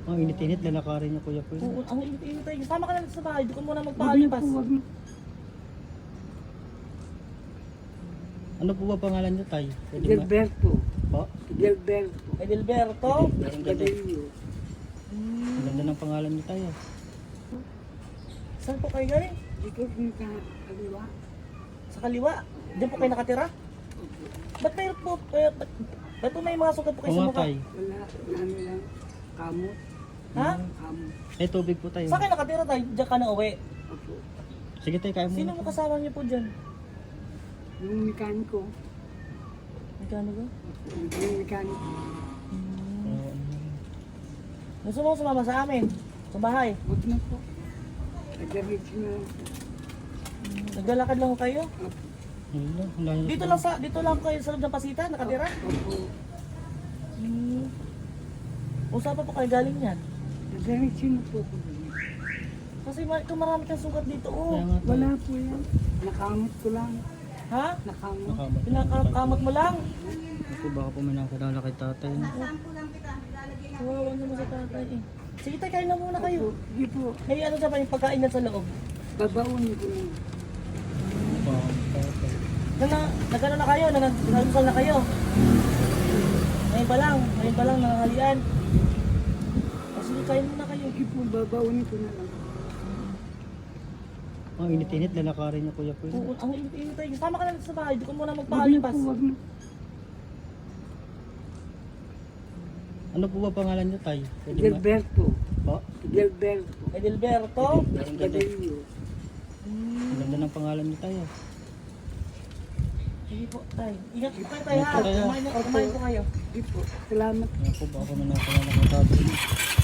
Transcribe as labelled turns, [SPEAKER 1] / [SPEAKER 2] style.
[SPEAKER 1] Ang init-init, lalakarin niyo kuya po.
[SPEAKER 2] Oo, ang init-init tayo. Sama ka na sa bahay. Doon ka muna magpakalipas.
[SPEAKER 1] Ano po ba pangalan niyo, tay? Pwede ma-
[SPEAKER 3] Gilberto.
[SPEAKER 1] Po?
[SPEAKER 3] Gilberto.
[SPEAKER 2] Edelberto.
[SPEAKER 1] Ang ganda,
[SPEAKER 3] Badillo.
[SPEAKER 1] ang ganda ng pangalan niyo, tay.
[SPEAKER 2] Saan po kayo galing?
[SPEAKER 3] Dito rin ka kaliwa.
[SPEAKER 2] Sa kaliwa. Diyan po kayo nakatira? Ba't mayroon po? Ba't po may mga sugat po kayo
[SPEAKER 1] Oo
[SPEAKER 2] sa
[SPEAKER 1] nga,
[SPEAKER 2] mukha?
[SPEAKER 1] tay.
[SPEAKER 3] Wala, ano lang. Kamot.
[SPEAKER 2] Ha?
[SPEAKER 3] Kamot.
[SPEAKER 1] Ay, tubig po tayo.
[SPEAKER 2] Saan kayo nakatira tayo? Diyan ka na uwi.
[SPEAKER 3] Opo.
[SPEAKER 1] Sige, tay, kaya mo.
[SPEAKER 2] Sino mo kasama niyo po dyan?
[SPEAKER 3] Yung mekaniko.
[SPEAKER 2] Magkano ba?
[SPEAKER 3] Yung mekaniko.
[SPEAKER 2] Gusto mo sumama sa amin? Sa bahay?
[SPEAKER 3] Huwag na po. Nag-reach na.
[SPEAKER 2] Naglalakad lang ho kayo? Dito lang kayo sa loob ng pasita, nakatira?
[SPEAKER 3] Opo.
[SPEAKER 2] Usapan po kayo galing yan.
[SPEAKER 3] Nag-reach na po ko.
[SPEAKER 2] Kasi kung marami kang sugat dito, oh.
[SPEAKER 1] Kaya nga, tay.
[SPEAKER 3] Wala po yan. Nakamot ko lang.
[SPEAKER 2] Ha?
[SPEAKER 3] Nakamot.
[SPEAKER 1] Nakamat.
[SPEAKER 2] Pinakakamot mo lang.
[SPEAKER 1] Ako, baka po may nakilala kay tatay. no?
[SPEAKER 2] Kawawa naman sa tatay eh. Sige tayo, kain na muna kayo.
[SPEAKER 3] Hindi po.
[SPEAKER 2] May ano sa yung pagkain na sa loob.
[SPEAKER 3] Babaunin ko lang.
[SPEAKER 2] Nagano na kayo? Nag-almusal na kayo? Ngayon pa lang, nanganghalian. O sige, kain muna kayo.
[SPEAKER 3] Hindi po, babaunin ko na lang.
[SPEAKER 1] Ang init-init, lalakarin niyo kuya po.
[SPEAKER 2] Oo, ang init-init tayo. Sama ka na sa bahay, doon ka muna
[SPEAKER 3] Wag na
[SPEAKER 2] magpakalipas.
[SPEAKER 3] po, wag na.
[SPEAKER 1] Ano po ba pangalan niyo, tay? Pwede ma-
[SPEAKER 3] Gilberto.
[SPEAKER 1] Po?
[SPEAKER 3] Gilberto.
[SPEAKER 2] Edelberto.
[SPEAKER 1] Ang ganda,
[SPEAKER 3] Badillo.
[SPEAKER 1] ang ganda ng pangalan niyo, tay.
[SPEAKER 2] Sige po, tayo. Ingat po kayo tayo ha.
[SPEAKER 1] Ingat po kayo.
[SPEAKER 2] Kumain po kayo.
[SPEAKER 3] Hindi po. Salamat.
[SPEAKER 1] Kaya po, baka po may nakilala kay tatay.